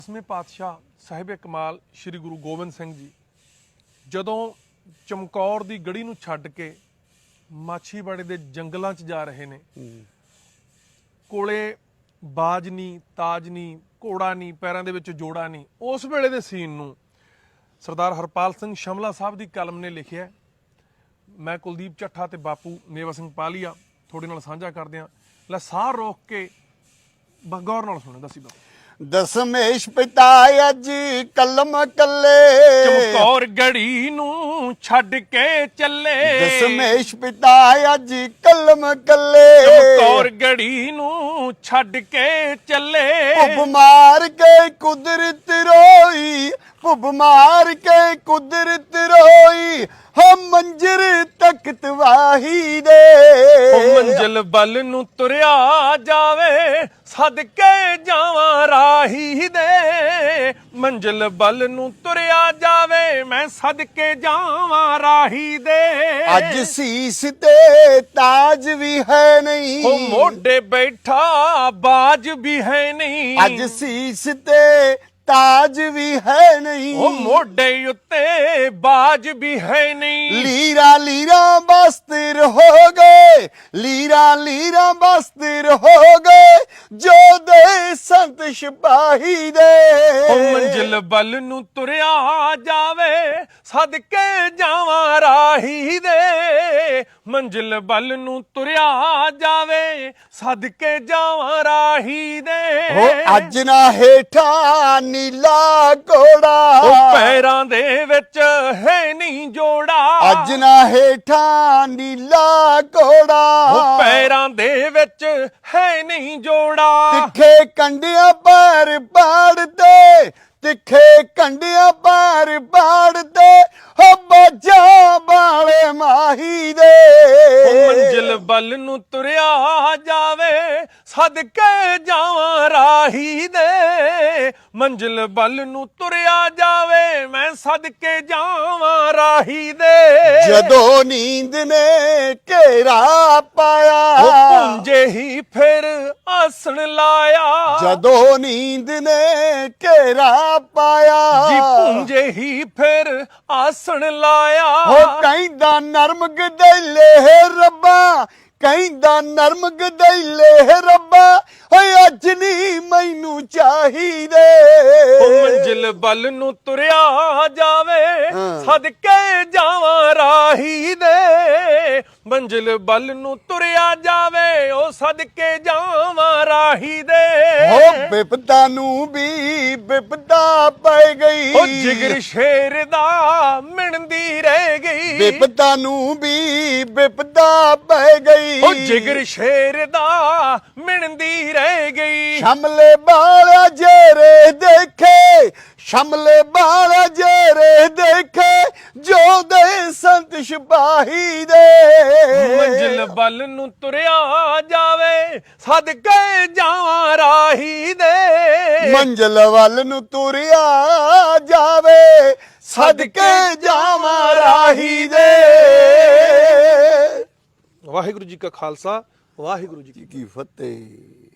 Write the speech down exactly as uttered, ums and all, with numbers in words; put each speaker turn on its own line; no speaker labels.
ਦਸਵੇਂ ਪਾਤਸ਼ਾਹ ਸਾਹਿਬ ਕਮਾਲ श्री गुरु गोबिंद सिंह जी ਜਦੋਂ ਚਮਕੌਰ ਦੀ ਗੜੀ ਨੂੰ ਛੱਡ ਕੇ ਮਾਛੀਵਾੜੇ ਦੇ ਜੰਗਲਾਂ 'ਚ ਜਾ ਰਹੇ ਨੇ, ਕੋਲੇ ਬਾਜ ਨਹੀਂ, ਤਾਜ ਨਹੀਂ, ਘੋੜਾ ਨਹੀਂ, ਪੈਰਾਂ ਦੇ ਵਿੱਚ ਜੋੜਾ ਨਹੀਂ, ਉਸ ਵੇਲੇ ਦੇ ਸੀਨ ਨੂੰ ਸਰਦਾਰ ਹਰਪਾਲ ਸਿੰਘ ਸ਼ਮਲਾ ਸਾਹਿਬ ਦੀ ਕਲਮ ਨੇ ਲਿਖਿਆ। ਮੈਂ ਕੁਲਦੀਪ ਚੱਠਾ ਤੇ ਬਾਪੂ ਮੇਵਾ ਸਿੰਘ ਪਾਲੀਆ ਤੁਹਾਡੇ ਨਾਲ ਸਾਂਝਾ ਕਰਦੇ ਹਾਂ। ਲੈ ਸਾਹ ਰੋਕ ਕੇ ਗੌਰ ਨਾਲ ਸੁਣੋ। ਦਸੀ ਬਾਬੂ
ਦਸਮੇਸ਼ ਪਿਤਾ ਅੱਜ ਕਲਮ ਕੱਲੇ,
ਚਮਕੌਰ ਗੜੀ ਨੂੰ ਛੱਡ ਕੇ ਚੱਲੇ।
ਦਸਮੇਸ਼ ਪਿਤਾ ਅੱਜ ਕਲਮ ਕੱਲੇ,
ਚਮਕੌਰ ਗੜੀ ਨੂੰ ਛੱਡ ਕੇ ਚੱਲੇ।
ਭੁੱਬ ਮਾਰ ਕੇ ਕੁਦਰਤ ਰੋਈ, ਭੁੱਬ ਮਾਰ ਕੇ ਕੁਦਰਤ ਰੋਈ, ਹਮ ਮੰਜ਼ਰ ਤਖਤ ਵਾਹੀ ਦੇ।
ਉਹ ਮੰਜ਼ਿਲ ਵੱਲ ਨੂੰ ਤੁਰਿਆ ਜਾਵੇ, ਸਦਕੇ ਜਾਵਾਂ ਰਾਹੀ ਦੇ। ਮੰਜ਼ਿਲ ਵੱਲ ਨੂੰ ਤੁਰਿਆ ਜਾਵੇ, ਮੈਂ ਸਦਕੇ ਜਾਵਾਂ ਰਾਹੀ ਦੇ।
ਅੱਜ ਸੀਸ ਤੇ ਤਾਜ ਵੀ ਹੈ ਨਹੀਂ,
ਉਹ ਮੋਢੇ ਬੈਠਾ ਬਾਜ ਵੀ ਹੈ ਨਹੀਂ।
ਅੱਜ ਸੀਸ ਤੇ ਤਾਜ ਵੀ ਹੈ ਨਹੀਂ,
ਉਹ ਮੋਢੇ ਉੱਤੇ ਬਾਜ ਵੀ ਹੈ ਨਹੀਂ।
ਲੀਰਾ ਲੀਰਾ ਬਸਤਰ ਹੋ ਗਏ, ਲੀਰਾ ਲੀਰਾ ਬਸਤਰ ਹੋ ਗਏ, ਜੋ ਦੇ ਸੰਤ ਸਿਪਾਹੀ ਦੇ।
ਉਹ ਮੰਜ਼ਿਲ ਵੱਲ ਨੂੰ ਤੁਰਿਆ ਜਾਵੇ, ਸਦਕੇ ਜਾਵਾਂ ਰਾਹੀ ਦੇ। ਮੰਜ਼ਿਲ ਵੱਲ ਨੂੰ ਤੁਰਿਆ ਜਾਵੇ, ਸਦਕੇ ਜਾਵਾਂ ਰਾਹੀ ਦੇ।
ਉਹ ਅੱਜ ਨਾ ਹੇਠਾਂ ਨੀਲਾ ਘੋੜਾ,
ਉਹ ਪੈਰਾਂ ਦੇ ਵਿੱਚ ਹੈ ਨਹੀਂ ਜੋੜਾ।
ਅੱਜ ਨਾ ਹੇਠਾਂ ਨੀਲਾ ਘੋੜਾ,
ਉਹ ਪੈਰਾਂ ਦੇ ਵਿੱਚ ਹੈ ਨਹੀਂ ਜੋੜਾ।
ਤਿੱਖੇ ਕੰਡਿਆਂ ਪਰ ਪਾੜਦੇ, ਤਿੱਖੇ ਕੰਡਿਆਂ ਪਰ ਪਾੜਦੇ, ਹੋ ਬਾਜਾ ਬਾਲੇ ਮਾਹੀ ਦੇ।
ਉਹ ਮੰਜ਼ਿਲ ਵੱਲ ਨੂੰ ਤੁਰਿਆ ਜਾਵੇ, ਸਦਕੇ ਜਾਵਾਂ ਰਾਹੀ ਦੇ। ਮੰਜ਼ਿਲ ਵੱਲ ਨੂੰ ਤੁਰਿਆ ਜਾਵੇ, ਮੈਂ ਸਦਕੇ ਜਾਵਾਂ ਰਾਹੀ ਦੇ।
ਜਦੋਂ ਨੀਂਦ ਨੇ ਘੇਰਾ ਪਾਇਆ,
ਉਹ ਪੁੰਜੇ ਹੀ ਫਿਰ ਆਸਣ ਲਾਇਆ।
ਜਦੋਂ ਨੀਂਦ ਨੇ ਘੇਰਾ ਪਾਇਆ,
ਜੀ ਪੁੰਜੇ ਹੀ ਫਿਰ ਆਸਣ ਲਾਇਆ।
ਉਹ ਕਹਿੰਦਾ ਨਰਮ ਗਦੈਲੇ ਰੱਬਾ, ਕਹਿੰਦਾ ਨਰਮ ਗਦੈਲੇ ਰੱਬਾ, ਓਏ ਅੱਜ ਨੀ ਮੈਨੂੰ ਚਾਹੀਦੇ।
ਉਹ ਮੰਜ਼ਿਲ ਵੱਲ ਨੂੰ ਤੁਰਿਆ ਜਾਵੇ, ਸਦਕੇ ਜਾਵਾਂ ਰਾਹੀ ਦੇ। ਮੰਜ਼ਿਲ ਵੱਲ ਨੂੰ ਤੁਰਿਆ ਜਾਵੇ, ਉਹ ਸਦਕੇ ਜਾਵਾਂ ਰਾਹੀ ਦੇ।
ਹੋ ਬਿਪਤਾ ਨੂੰ ਵੀ ਬਿਪਤਾ ਪੈ ਗਈ,
ਉਹ ਜਿਗਰ ਸ਼ੇਰ ਦਾ ਮਿਣਦੀ ਰਹਿ ਗਈ।
ਬਿਪਤਾ ਨੂੰ ਵੀ ਬਿਪਤਾ ਪੈ ਗਈ,
ਉਹ ਜਿਗਰ ਸ਼ੇਰ ਦਾ ਮਿਣਦੀ ਰਹਿ ਗਈ।
ਸ਼ਮਲੇ ਬਾਲਾ ਜੇਰੇ ਦੇਖੇ, ਸ਼ਮਲੇ ਬਾਲਾ ਜੇਰੇ ਦੇਖੇ, ਜੋ ਦੇ ਸੰਤ ਸਿਪਾਹੀ ਦੇ।
ਮੰਜ਼ਿਲ ਵੱਲ ਨੂੰ ਤੁਰਿਆ ਜਾਵੇ, ਸਦਕੇ ਜਾਵਾਂ ਰਾਹੀ ਦੇ।
ਮੰਜ਼ਿਲ ਵੱਲ ਨੂੰ ਤੁਰਿਆ ਜਾਵੇ, ਸਦਕੇ ਜਾਵਾਂ ਰਾਹੀ ਦੇ।
ਵਾਹਿਗੁਰੂ ਜੀ ਕਾ ਖਾਲਸਾ, ਵਾਹਿਗੁਰੂ ਜੀ ਕੀ
ਕੀ ਫਤਿਹ।